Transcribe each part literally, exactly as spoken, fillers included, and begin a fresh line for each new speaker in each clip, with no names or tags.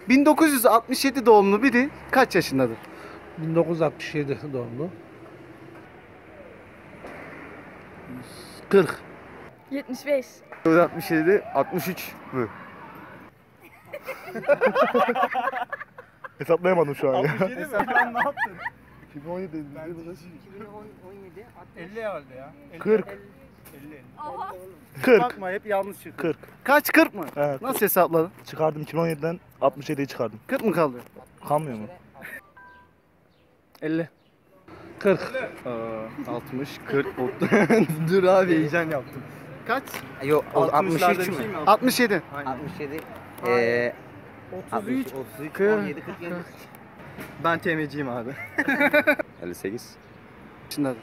bin dokuz yüz altmış yedi doğumlu biri kaç yaşındadır?
bin dokuz yüz altmış yedi doğumlu. kırk.
yetmiş beş.
bin dokuz yüz altmış yedi, altmış üç mü? Hesaplayamadım şu an ya.
altmış yedi mi? Sen ne yaptın?
iki bin on yedi
iki bin on yedi, elli herhalde ya. elli,
kırk.
elli, elli.
kırk.
Bakma hep yanlış çıktı.
kırk.
Kaç, kırk mı?
Evet.
Nasıl hesapladın?
Çıkardım iki bin on yediden altmış yediyi çıkardım.
kırk mı kaldı?
Kalmıyor mu?
elli.
kırk.
altmış, kırk, otuz. Dur abi heyecan yaptım.
Kaç?
Yok altmış üç mü?
altmış yedi.
altmış yedi. Eee
otuz üç.
otuz üç,
kırk,
on yedi, kırk yedi.
Ben temeciyim abi. elli sekiz.
Yaşındadır.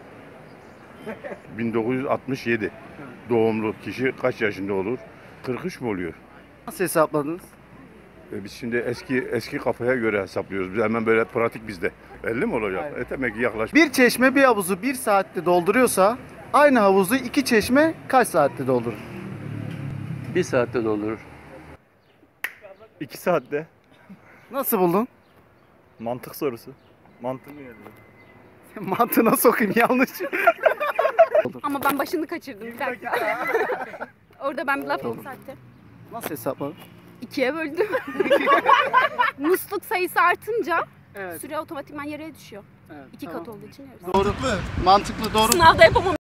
bin dokuz yüz altmış yedi doğumlu kişi kaç yaşında olur? kırk üç mü oluyor?
Nasıl hesapladınız?
E biz şimdi eski eski kafaya göre hesaplıyoruz. Biz hemen böyle pratik bizde. elli mi olacak?
Aynen.
E demek ki yaklaş.
Bir çeşme bir havuzu bir saatte dolduruyorsa aynı havuzu iki çeşme kaç saatte doldurur?
Bir saatte doldurur.
iki saatte.
Nasıl buldun?
Mantık sorusu. Mantık mı geldi?
Mantığına sokayım yanlış.
Ama ben başını kaçırdım bir dakika. Orada ben bir laf yükselttim.
Nasıl hesapladın?
İkiye böldüm. Musluk sayısı artınca
Evet.
süre otomatikman yarıya düşüyor.
Evet,
İki
tamam.
kat olduğu için yarısı.
Doğru. Mantıklı doğru.
Sınavda yapamam.